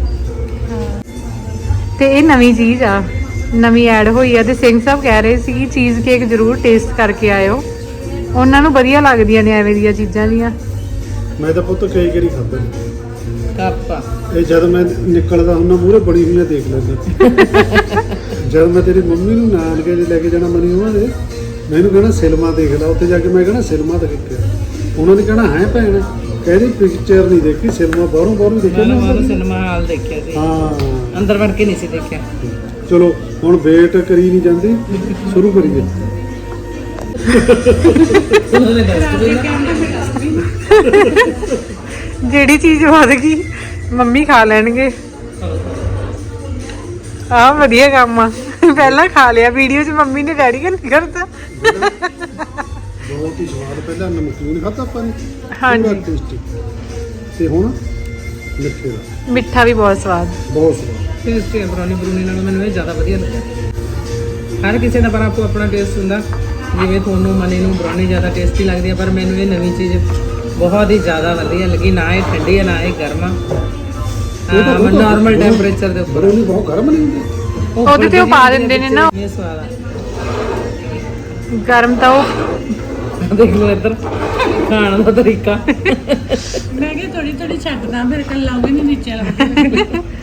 ਤੇ ਇਹ ਨਵੀਂ ਚੀਜ਼ ਆ, ਨਵੀਂ ਐਡ ਹੋਈ ਆ। ਤੇ ਸਿੰਘ ਸਾਹਿਬ ਕਹਿ ਰਹੇ ਸੀ ਕਿ ਚੀਜ਼ ਕੇਕ ਜ਼ਰੂਰ ਟੇਸਟ ਕਰਕੇ ਆਇਓ, ਉਹਨਾਂ ਨੂੰ ਵਧੀਆ ਲੱਗਦੀਆਂ ਨੇ ਐਵੇਂ ਦੀਆਂ ਚੀਜ਼ਾਂ ਦੀਆਂ।
ਮੈਂ ਤਾਂ ਪੁੱਤ ਕਈ ਵਾਰੀ ਖਾਧਾ
ਕਾਪਾ
ਇਹ ਜਦ ਮੈਂ ਨਿਕਲਦਾ ਹੁੰਦਾ ਮੂਹਰੇ ਬਣੀ ਹੋਈਆਂ ਦੇਖ ਲੈਂਦਾ। ਜਦ ਮੈਂ ਤੇਰੀ ਮੰਮੀ ਨੂੰ ਨਾਨਕੇ ਦੇ ਲੈ ਕੇ ਜਾਣਾ ਮਨੀ ਉਹਨਾਂ ਦੇ, ਮੈਨੂੰ ਕਹਿਣਾ ਸਿਲਮਾ ਦੇਖ ਲੈ। ਉੱਥੇ ਜਾ ਕੇ ਮੈਂ ਕਹਿਣਾ ਸਿਲਮਾ ਤਾਂ ਕਿੱਥੇ ਆ? ਉਹਨਾਂ ਨੇ ਕਹਿਣਾ ਹੈ ਭੈਣ, ਕਹਿੰਦੀ ਪਿਕਚਰ ਨਹੀਂ ਦੇਖੀ, ਸਿਨੇਮਾ ਬਾਹਰੋਂ ਦੇਖਿਆ ਨਾ।
ਮੈਂ ਸਿਨੇਮਾ ਹਾਲ ਦੇਖਿਆ ਸੀ।
ਹਾਂ
ਅੰਦਰ ਵੜ ਕੇ ਨਹੀਂ ਸੀ ਦੇਖਿਆ।
ਚਲੋ ਹੁਣ ਵੇਟ ਕਰੀ ਨਹੀਂ ਜਾਂਦੀ, ਸ਼ੁਰੂ ਕਰੀਏ।
ਜਿਹੜੀ ਚੀਜ਼ ਵੱਧ ਗਈ ਮੰਮੀ ਖਾ ਲੈਣਗੇ। ਆਹ ਵਧੀਆ ਕੰਮ ਆ। ਪਹਿਲਾਂ ਖਾ ਲਿਆ ਵੀਡੀਓ 'ਚ, ਮੰਮੀ ਨੇ ਡੈਡੀ ਕਾ ਨਹੀਂ ਕਰਦਾ।
ਬਹੁਤ ਹੀ ਸਵਾਦ। ਪਹਿਲਾਂ ਨਮਕੀਨ ਖਾਧਾ ਆਪਾਂ ਨੇ,
ਹਾਂਜੀ।
ਪੂਰਾ ਟੇਸਟੀ। ਤੇ ਹੁਣ ਮਿੱਠੇ ਦਾ
ਮਿੱਠਾ ਵੀ ਬਹੁਤ ਸਵਾਦ।
ਬਹੁਤ ਸਵਾਦ।
ਟੇਸਟੀ ਬਰੌਨੀ ਬਰੂਨੀ ਨਾਲੋਂ ਮੈਨੂੰ ਇਹ ਜ਼ਿਆਦਾ ਵਧੀਆ ਲੱਗਾ। ਹਰ ਕਿਸੇ ਦਾ ਪਰ ਆਪੋ ਆਪਣਾ ਟੇਸਟ ਹੁੰਦਾ। ਜਿਵੇਂ ਤੁਹਾਨੂੰ ਮਨੀ ਨੂੰ ਬਰੌਨੀ ਜ਼ਿਆਦਾ ਟੇਸਟੀ ਲੱਗਦੀ ਹੈ, ਪਰ ਮੈਨੂੰ ਇਹ ਨਵੀਂ ਚੀਜ਼ ਬਹੁਤ ਹੀ ਜ਼ਿਆਦਾ ਵਧੀਆ ਲੱਗੀ। ਨਾ ਇਹ ਠੰਡੀ ਹੈ ਨਾ ਇਹ ਗਰਮ ਆ। ਨਾਰਮਲ ਟੈਂਪਰੇਚਰ ਦੇ ਉੱਪਰ।
ਬਰੌਨੀ ਬਹੁਤ ਗਰਮ ਨਹੀਂ ਹੁੰਦੀ।
ਉਹਦੇ ਤੇ ਉਹ ਪਾ ਦਿੰਦੇ ਨੇ ਨਾ,
ਇਹ ਸਵਾਦ ਆ।
ਗਰਮ ਤਾਂ ਉਹ
ਦੇਖ ਲਓ ਇੱਧਰ ਖਾਣ ਦਾ ਤਰੀਕਾ।
ਮੈਂ ਕਿਹਾ ਥੋੜੀ ਥੋੜੀ ਛੱਡਦਾ, ਫਿਰ ਕੱਲ ਲਾਉਂਗੇ ਨਹੀਂ ਨੀਚੇ ਲੱਗਦੇ।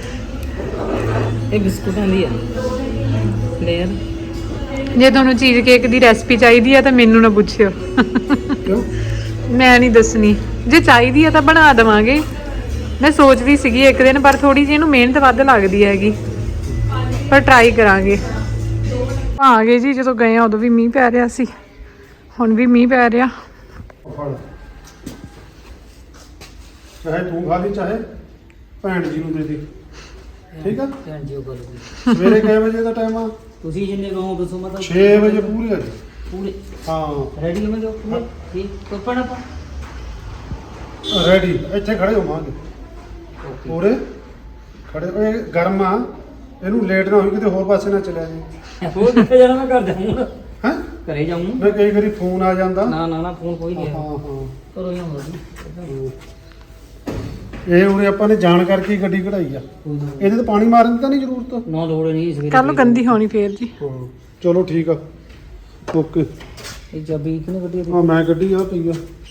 ਇਹ ਬਿਸਕੁਟਾਂ ਦੀ ਆ ਲੇਅਰ।
ਜੇ ਤੁਹਾਨੂੰ ਚੀਜ਼ ਕੇਕ ਦੀ ਰੈਸਪੀ ਚਾਹੀਦੀ ਆ ਤਾਂ ਮੈਨੂੰ ਨਾ ਪੁੱਛਿਓ,
ਕਿਉਂ?
ਮੈਂ ਨਹੀਂ ਦੱਸਣੀ। ਜੇ ਚਾਹੀਦੀ ਆ ਤਾਂ ਬਣਾ ਦੇਵਾਂਗੇ। ਮੈਂ ਸੋਚਦੀ ਸੀਗੀ ਇੱਕ ਦਿਨ, ਪਰ ਥੋੜੀ ਜਿਹੀ ਇਹਨੂੰ ਮਿਹਨਤ ਵੱਧ ਲੱਗਦੀ ਹੈਗੀ, ਪਰ ਟਰਾਈ ਕਰਾਂਗੇ। ਆ ਗਏ ਜੀ, ਜਦੋਂ ਗਏ ਆ ਉਦੋਂ ਵੀ ਮੀਂਹ ਪੈ ਰਿਹਾ ਸੀ, ਹੁਣ ਵੀ ਮੀਂਹ ਪੈ ਰਿਹਾ।
ਫੜ। ਚਾਹੇ ਤੂੰ ਖਾ ਲਈ, ਚਾਹੇ ਭੈਣ ਜੀ ਨੂੰ ਦੇ ਦੇ, ਠੀਕ ਆ?
ਹਾਂਜੀ ਉਹ ਕਰੂਗੀ।
ਸਵੇਰੇ ਕਿੰਨੇ ਵਜੇ ਦਾ ਟਾਈਮ ਆ?
ਤੁਸੀਂ ਜਿੰਨੇ ਕਹੋ ਦੱਸੋ। ਮਤਲਬ
6 ਵਜੇ ਪੂਰੇ ਆ ਜੀ।
ਪੂਰੇ
ਹਾਂ
ਰੈਡੀ ਹੋ ਜਾਓ। ਠੀਕ ਕੋਪਣ ਆਪਾਂ
ਰੈਡੀ। ਇੱਥੇ ਖੜੇ ਹੋਵਾਂਗੇ ਪੂਰੇ ਖੜੇ। ਇਹ ਗਰਮ ਆ, ਇਹਨੂੰ ਲੇਟ ਨਾ ਹੋਈ ਕਿਤੇ ਹੋਰ ਪਾਸੇ ਨਾ ਚਲਿਆ ਜੀ।
ਹੋਰ ਕਿੱਥੇ ਜਾਣਾ? ਮੈਂ ਕਰ ਜਾਊਂਗਾ।
ਹੈ
ਘਰੇ ਜਾਊਂ
ਮੈਂ ਕਈ ਵਾਰੀ ਫੋਨ ਆ ਜਾਂਦਾ।
ਨਾ ਨਾ ਨਾ ਫੋਨ ਕੋਈ ਨਹੀਂ
ਹਾਂ
ਆਇਆ
ਹਾਂ
ਕਰੋ ਜਾਂ ਹੋਰ
ਇਹ ਉਰੇ ਆਪਾਂ ਨੇ ਜਾਣ ਕਰਕੇ ਹੀ ਗੱਡੀ ਕਢਾਈ ਆ। ਇਹਦੇ ਤੇ ਪਾਣੀ ਮਾਰਨ ਦੀ ਤਾਂ ਨਹੀਂ ਜ਼ਰੂਰਤ।
ਨਾ ਲੋੜ ਨਹੀਂ ਇਸ
ਕੱਲ ਨੂੰ ਗੰਦੀ ਹੋਣੀ ਫੇਰ ਜੀ।
ਹਾਂ ਚਲੋ ਠੀਕ ਆ ਓਕੇ।
ਇਹ ਚਾਬੀ ਕਿਹਨੇ ਕੱਢੀ
ਹਾਂ ਮੈਂ ਗੱਡੀ ਆ ਪਈ ਆ।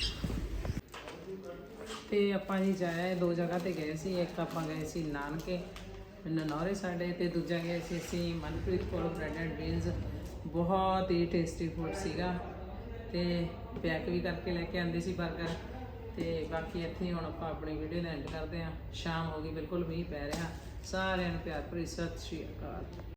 ਤੇ ਆਪਾਂ ਜੀ ਜਾਇਆ ਦੋ ਜਗ੍ਹਾ ਤੇ ਗਏ ਸੀ। ਇੱਕ ਆਪਾਂ ਗਏ ਸੀ ਨਾਨਕੇ ਨਨੌਰੇ ਸਾਡੇ ਤੇ ਦੂਜਾ ਗਏ ਸੀ ਅਸੀਂ ਮਨਪ੍ਰੀਤ ਕੋਲ ਬ੍ਰੈਡ ਐਂਡ ਬੀਨਸ। ਬਹੁਤ ਹੀ ਟੇਸਟੀ ਫੂਡ ਸੀਗਾ ਤੇ ਪੈਕ ਵੀ ਕਰਕੇ ਲੈ ਕੇ ਆਂਦੇ ਸੀ 버ਗਰ। ਤੇ ਬਾਕੀ ਇੱਥੇ ਹੁਣ ਆਪਾਂ ਆਪਣੀ ਵੀਡੀਓ ਦਾ ਐਂਡ ਕਰਦੇ ਹਾਂ। ਸ਼ਾਮ ਹੋ ਗਈ ਬਿਲਕੁਲ ਮੀਂਹ ਪੈ ਰਿਹਾ। ਸਾਰਿਆਂ ਨੂੰ ਪਿਆਰ ਭਰੀ ਸਤਿ ਸ਼੍ਰੀ ਅਕਾਲ।